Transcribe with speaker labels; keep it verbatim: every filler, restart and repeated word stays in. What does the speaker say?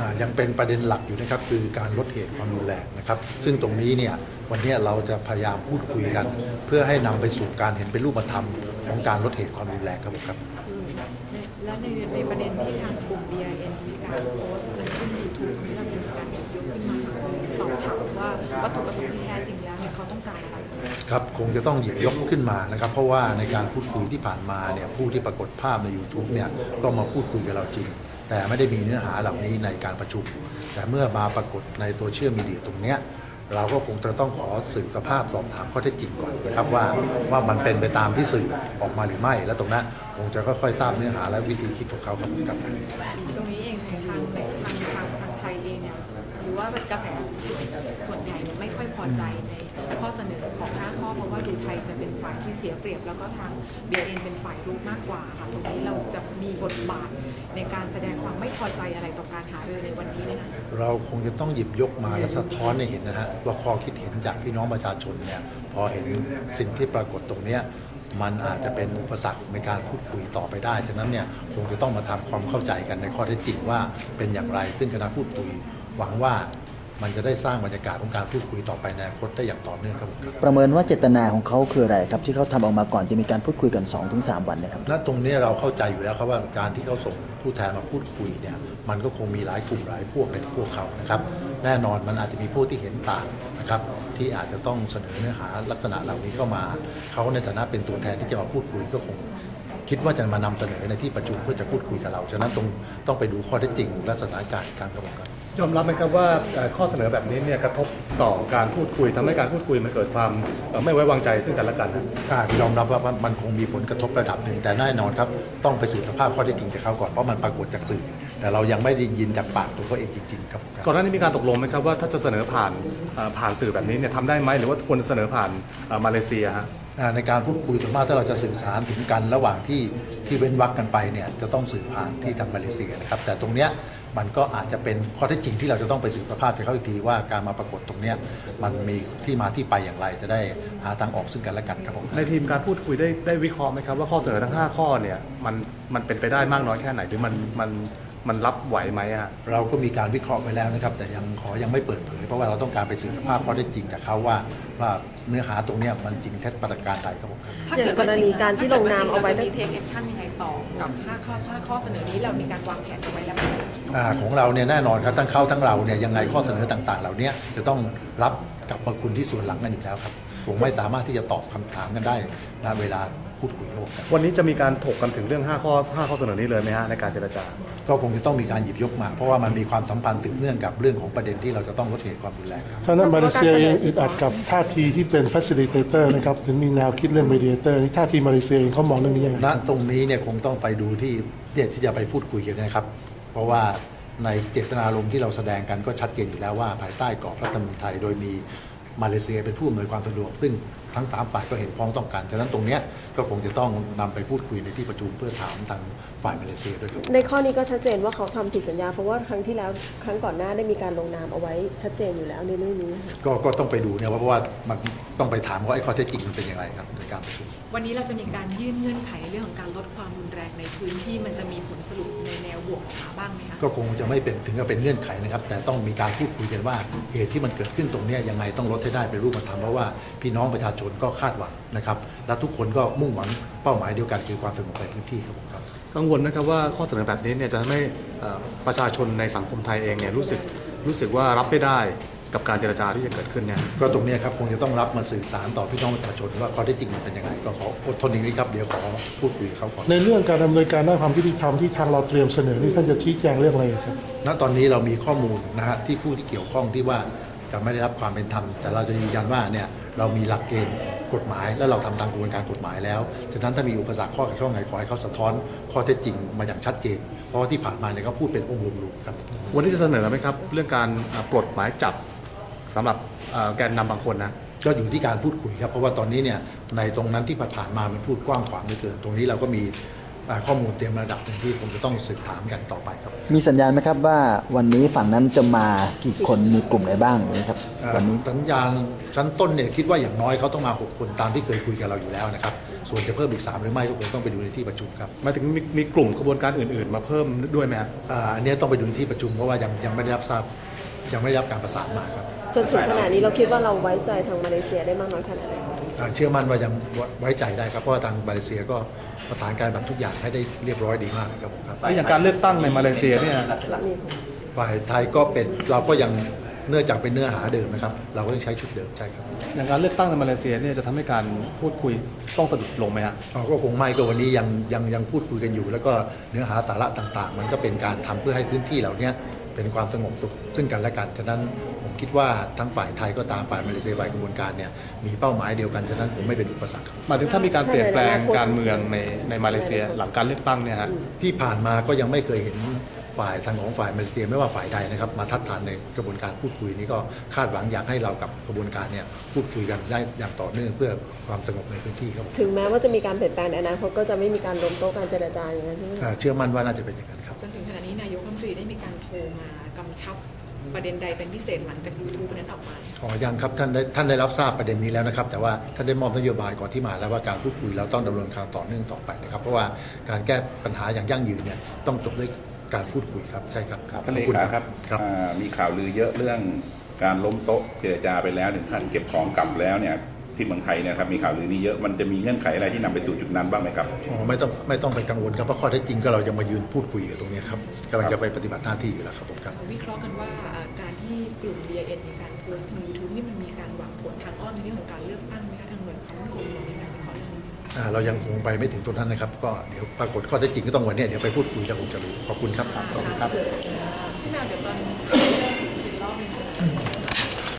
Speaker 1: ยังเป็นประเด็นหลักอยู่นะครับคือการลดเหตุความรุนแรงนะครับซึ่งตรงนี้เนี่ยวันนี้เราจะพยายามพูดคุยกัน เพื่อให้นำไปสู่การเห็นเป็นรูปธรรมของการลดเหตุความรุนแรงครับผมครับ
Speaker 2: และในในประเด็นที่ทางกลุ่ม บี ไอ เอ็น มีการโพสต์ในขึ้น ยูทูบ นี้เราจะมีการยกขึ้นมาสอบถามว่าวัตถุประสงค์ที่แท้จริงแล้วเนี่ยเขาต้องการอะไร
Speaker 1: ครับคงจะต้องหยิบยกขึ้นมานะครับเพราะว่าในการพูดคุยที่ผ่านมาเนี่ยผู้ที่ปรากฏภาพใน ยูทูบ เนี่ยก็มาพูดคุยกับเราจริงแต่ไม่ได้มีเนื้อหาเหล่านี้ในการประชุมแต่เมื่อมาปรากฏในโซเชียลมีเดียตรงเนี้ยเราก็คงจะต้องขอสืบสภาพสอบถามข้อเท็จจริงก่อนนะครับว่าว่ามันเป็นไปตามที่สื่อออกมาหรือไม่และตรงนั้นคงจะค่อยๆทราบเนื้อหาและวิธีคิดของเขาครับครับ
Speaker 2: ตรงนี้เองในทางในทางทางทางไทยเองเนี่ยหรือว่ากระแสส่วนใหญ่ไม่ค่อยพอใจในข้อเสนอของห้าข้อเพราะว่าดูไทยจะเป็นฝ่ายที่เสียเปรียบแล้วก็ทาง บี ไอ เอ็น เป็นฝ่ายรุกมากกว่าค่ะตรงนี้เราจะมีบทบาทในการแสดงความไม่พอใจอะไรต่อการหารือในวันนี้ไหมคะ
Speaker 1: เราคงจะต้องหยิบยกมาและสะท้อนให้เห็นนะฮะว่าข้อคิดเห็นจากพี่น้องประชาชนเนี่ยพอเห็นสิ่งที่ปรากฏตรงนี้มันอาจจะเป็นอุปสรรคในการพูดคุยต่อไปได้ฉะนั้นเนี่ยคงจะต้องมาทำความเข้าใจกันในข้อเท็จจริงว่าเป็นอย่างไรซึ่งคณะพูดคุยหวังว่ามันจะได้สร้างบรรยากาศของการพูดคุยต่อไปในอนาคตได้อย่างต่อเนื่องครับผม
Speaker 3: ประเมินว่าเจตนาของเขาคืออะไรครับที่เขาทำออกมาก่อนจะมีการพูดคุยกัน สองถึงสาม วันนะครับ
Speaker 1: ณตรงนี้เราเข้าใจอยู่แล้วครับว่าการที่เขาส่งผู้แทนมาพูดคุยเนี่ยมันก็คงมีหลายกลุ่มหลายพวกในพวกเขานะครับแน่นอนมันอาจจะมีผู้ที่เห็นต่างนะครับที่อาจจะต้องเสนอเนื้อหาลักษณะเหล่านี้เข้ามาเขาในฐานะเป็นตัวแทนที่จะมาพูดคุยก็คงคิดว่าจะมานำเสนอในที่ประชุมเพื่อจะพูดคุยกับเราฉะนั้นตรงต้องไปดูข้อเท็จจริงและสถานการณ์การกระบวนการ
Speaker 4: ยอมรับไหมครับว่าข้อเสนอแบบนี้เนี่ยกระทบต่อการพูดคุยทำให้การพูดคุยมันเกิดความไม่ไว้วางใจซึ่งกันและกัน
Speaker 1: ยอมรับว่ามันคงมีผลกระทบระดับหนึ่งแต่แน่นอนครับต้องไปสืบสภาพข้อเท็จจริงจากเขาก่อนเพราะมันปรากฏจากสื่อแต่เรายังไม่ได้ยินจากปากตัวเขาเองจริงๆครับ
Speaker 4: ก่อนหน้านี้มีการตกลงไหมครับว่าถ้าจะเสนอผ่านผ่านสื่อแบบนี้เนี่ยทำได้ไหมหรือว่าควรเสนอผ่านมาเลเซียฮะ
Speaker 1: ในการพูดคุยส่วนมากถ้าเราจะสื่อสารถึงกันระหว่างที่ที่เว้นวรรคกันไปเนี่ยจะต้องสื่อผ่านที่ทางมาเลเซียนะครับแต่ตรงเนี้ยมันก็อาจจะเป็นข้อเท็จจริงที่เราจะต้องไปสืบสภาพจากเขาอีกทีว่าการมาปรากฏตรงเนี้ยมันมีที่มาที่ไปอย่างไรจะได้หาทางออกซึ่งกันและกันครับผม
Speaker 4: ในทีมการพูดคุยได้ได้วิเคราะห์ไหมครับว่าข้อเสนอทั้งห้าข้อเนี่ยมันมันเป็นไปได้มากน้อยแค่ไหนหรือมันมันมันรับไหวไหมฮะ
Speaker 1: เราก็มีการวิเคราะห์ไปแล้วนะครับแต่ยังขอยังไม่เปิดเผยเพราะว่าเราต้องการไปสืบสภาพข้อเท็จจริงจากเขาว่าว่าเนื้อหาตรงนี้มันจริงเท็จประการใดครับผม
Speaker 2: ถ้าเกิดกรณีการที่ลงนามเอาไว้จะมีเทคแอคชั่นยังไงต่อกับห้าข้อห้าข้อเสนอนี้เรามีการวางแผนเอาไว้แล้ว
Speaker 1: อ่าของเราเนี่ยแน่นอนครับทั้งเขาทั้งเราเนี่ยยังไงข้อเสนอต่างๆเหล่านี้จะต้องรับกับมาคุณที่ส่วนหลังกันอยู่แล้วครับผมไม่สามารถที่จะตอบคำถามกันได้ณเวลาพูดคุยกัน
Speaker 4: วันนี้จะมีการถกกันถึงเรื่องห้าข้อห้าข้อเสนอนี้เลยไหมฮะในการเจรจาก
Speaker 1: ็คงจะต้องมีการหยิบยกมาเพราะว่ามันมีความสัมพันธ์สืบเนื่องกับเรื่องของประเด็นที่เราจะต้องลดเหตุความรุนแรงครับ
Speaker 5: ท่านมาเลเซียเองอึดอัดกับท่าทีที่เป็น facilitator นะครับถึงมีแนวคิดเรื่อง mediator นี่ท่าทีมาเลเซียเองเขามองเรื่องนี้ยังไง
Speaker 1: ณตรงนี้เนี่ยคงต้องไปดูที่เด็ดที่จะไปพูดคุยกันนะครับเพราะว่าในเจตนารมณ์ที่เราแสดงกันก็ชัดเจนอยู่แล้วว่าภายใต้กรอบรัฐธรรมนูญไทยโดยมีมาเลเซียเป็นผู้อำนวยความสะดวกซึ่งทั้งสามฝ่ายก็เห็นพ้องต้องการฉะนั้นตรงนี้ก็คงจะต้องนำไปพูดคุยในที่ประชุมเพื่อถามทางฝ่ายมาเลเซียด้วย
Speaker 6: ในข้อนี้ก็ชัดเจนว่าเขาทำผิดสัญญาเพราะว่าครั้งที่แล้วครั้งก่อนหน้าได้มีการลงนามเอาไว้ชัดเจนอยู่แล้วในเรื่องนี้
Speaker 1: ก็ก็ต้องไปดูเนี่ยเพราะว่ามันต้องไปถามว่าไอ้ข้อเท็จจริงมันเป็นอย่างไรครับในการประชุม
Speaker 2: วันนี้เราจะมีการยื่นเงื่อนไขในเรื่องของการลดความรุนแรงในพื้นที่มันจะมีผลสรุปในแนวบวกออกมาบ้างไหมคะ
Speaker 1: ก็คงจะไม่เป็นถึงกับเป็นเงื่อนไขนะครับแต่ต้องมีการพูดคุยกันว่าเหตุที่มันเกิดขึ้นตรงนี้ยังไงต้องลดให้ได้เป็นรูปธรรมเพราะว่าพี่น้องประชาชนก็คาดหวังนะครับและทุกคนก็มุ่งหวังเป้าหมายเดียวกันคือความสงบในพื้นที่ครับผมครับ
Speaker 4: กังวลนะครับว่าข้อเสนอแบบนี้เนี่ยจะทำให้ประชาชนในสังคมไทยเองเนี่ยรู้สึกรู้สึกว่ารับไม่ได้กับการเจรจาที่จะเกิดขึ้นเนี่ย
Speaker 1: ก็ตรงนี้ครับคงจะต้องรับมาสื่อสารต่อพี่น้องประชาชนว่าข้อเท็จจริงมันเป็นยังไงก็ขออดทนอีกนิดครับเดี๋ยวขอพูดคุยเขาก่อน
Speaker 5: ในเรื่องการดำเนินการด้านความยุติธรรมที่ทางเราเตรียมเสนอนี่ท่านจะชี้แจงเรื่องอะไรครับ
Speaker 1: ณตอนนี้เรามีข้อมูลนะฮะที่ผู้ที่เกี่ยวข้องที่ว่าจะไม่ได้รับความเป็นธรรมแต่เราจะยืนยันว่าเนี่ยเรามีหลักเกณฑ์กฎหมายและเราทำตามกระบวนการกฎหมายแล้วฉะนั้นถ้ามีอุปสรรคข้อขัดข้องไหนขอให้เขาสะท้อนข้อเท็จจริงมาอย่างชัดเจนเพราะว่าที่ผ่านมาเนี่ยก็พูดเป็นองค์รวมๆครับ
Speaker 4: วันนี้จะเสนอไหมครับเรื่องการปลดหมายจับสำหรับแกนนำบางคนนะ
Speaker 1: ก็อยู่ที่การพูดคุยครับเพราะว่าตอนนี้เนี่ยในตรงนั้นที่ผ่านมามันพูดกว้างขวางเหลือเกินตรงนี้เราก็มีข้อมูลเตรียมระดับหนึ่งที่ผมจะต้องสืบถามกันต่อไปครับ
Speaker 3: มีสัญญาณไหมครับว่าวันนี้ฝั่งนั้นจะมากี่คนมีกลุ่มไหนบ้างนะครับวันนี้
Speaker 1: สัญญาณชั้นต้นเนี่ยคิดว่าอย่างน้อยเขาต้องมาหกคนตามที่เคยคุยกับเราอยู่แล้วนะครับส่วนจะเพิ่มอีกสามหรือไม่ก็คงต้องไปดูในที่ประชุมครับ
Speaker 4: หมายถึงมีมีกลุ่มขบวนการอื่น ๆ มาเพิ่มด้วยไหมฮะ
Speaker 1: อ่าอันนี้ต้องไปดูในที่ประชุมเพราะว่ายังยังไม่ได้รับทราบยังไม่ได้รับการประสานมาครับ
Speaker 6: จนถึงขณะนี้เราคิดว่าเราไว้ใจทางมาเลเซียได้มากน้อยขนาดไหน
Speaker 1: อ่าเชื่อมั่นว่ายังไว้ใจได้ครับเพราะว่าทางมาเลเซียก็ประสานการแบบทุกอย่างให้ได้เรียบร้อยดีมากครับผมครับ
Speaker 4: แล้วอย่างการเลือกตั้งในมาเลเซียเนี่ย
Speaker 6: มี
Speaker 1: ฝ่ายไทยก็เป็นเราก็ยังเนื่องจากเป็นเนื้อหาเดิมนะครับเราก็ยังใช้ชุดเดิมใช่ครับ
Speaker 4: อย่างการเลือกตั้งในมาเลเซียเนี่ยจะทำให้การพูดคุยต้องสะดุดลงไหมฮะ
Speaker 1: อ๋อก็คงไม่ก็วันนี้ยังยังยังพูดคุยกันอยู่ แล้วก็เนื้อหาสาระต่างๆ มันก็เป็นการทำเพื่อให้พื้นที่เหล่านี้เป็นความสงบสุขซึ่งกันและกันฉะนั้นผมคิดว่าทั้งฝ่ายไทยก็ตามฝ่ายมาเลเซียฝ่ายกระบวนการเนี่ยมีเป้าหมายเดียวกันฉะนั้นผมไม่เป็นอุปสรรคครับ
Speaker 4: หมายถึงถ้ามีการเปลี่ยนแปลงการเมืองในในมาเลเซียหลังการเลือกตั้งเนี่ยฮะ
Speaker 1: ที่ผ่านมาก็ยังไม่เคยเห็นฝ่ายทางของฝ่ายมาเลเซียไม่ว่าฝ่ายใดนะครับมาทัดทานในกระบวนการพูดคุยนี้ก็คาดหวังอยากให้เรากับกระบวนการเนี่ยพูดคุยกันได้อย่างต่อเนื่องเพื่อความสงบในพื้นที่ครับผม
Speaker 6: ถึงแม้ว่าจะมีการเปลี่ยนแปลงในอนาคตก็จะไม่มีการล้มโต๊ะการเจรจาอย่างนั้นใช่ไหม
Speaker 1: อ่าเชื่อมั่นว่าน่าจะเป็นอย่างนั้นครับ
Speaker 2: จนถึงขณะนี้นายกรัฐมนตรีได้มีการโทรมากำชับประเด็นใดเป็นพิเศษหลังจากยูทูบนั้นออกมา
Speaker 1: อ๋อยังครับท่านได้ท่านได้รับทราบประเด็นนี้แล้วนะครับแต่ว่าท่านได้มอบนโยบายก่อนที่มาแล้วว่าการพูดคุยเราต้องดำเนินการต่อเนื่องต่อไปนะครับเพราะว่าการแก้ปัญหาอย่างยั่งยืนเนี่ยต้องจบด้วยการพูดคุยครับใช่ครับ
Speaker 7: ท่านเล
Speaker 1: ขอบคุณ
Speaker 7: ขาครับ
Speaker 1: ครับ
Speaker 7: อ่ามีข่าวลือเยอะเรื่องการล้มโต๊ะเจรจาไปแล้วถึงขั้นเก็บของกลับแล้วเนี่ยที่เมืองไทยเนี่ยครับมีข่าวลือนี้เยอะมันจะมีเงื่อนไขอะไรที่นำไปสู่จุดนั้นบ้างไหมครับ
Speaker 1: อ๋อไม่ต้องไม่ต้องไปกังวลครับเพราะข้อเท็จจริงก็เรายังมายืนพูดคุยอยู่ตรงนี้ครับกำลังจะไปปฏิบัติหน้าที่อยู่แล้วครับผมครับ
Speaker 2: วิเคราะห์กันว่าเอ่อการที่กลุ่ม บี ไอ เอ็น มีการโพสต์ทาง ยูทูบ นี่มันมีการหวังผลทางอ้อมในเรื่องของการเลือกตั้งไหมคะทางหน่วยความมั่นคงเรามีการวิเคราะห์เรื่องนี้
Speaker 1: อ่าเรายังคงไปไม่ถึงตรงนั้นนะครับก็เดี๋ยวปรากฏข้อเท็จจริงก็ต้องวันเนี้ยเดี๋ยวไปพูดคุยแล้วคงจะรู้ขอบคุณครับ
Speaker 2: พี่แมวเดี๋ยวตอนเริ่มอีกรอบหนึง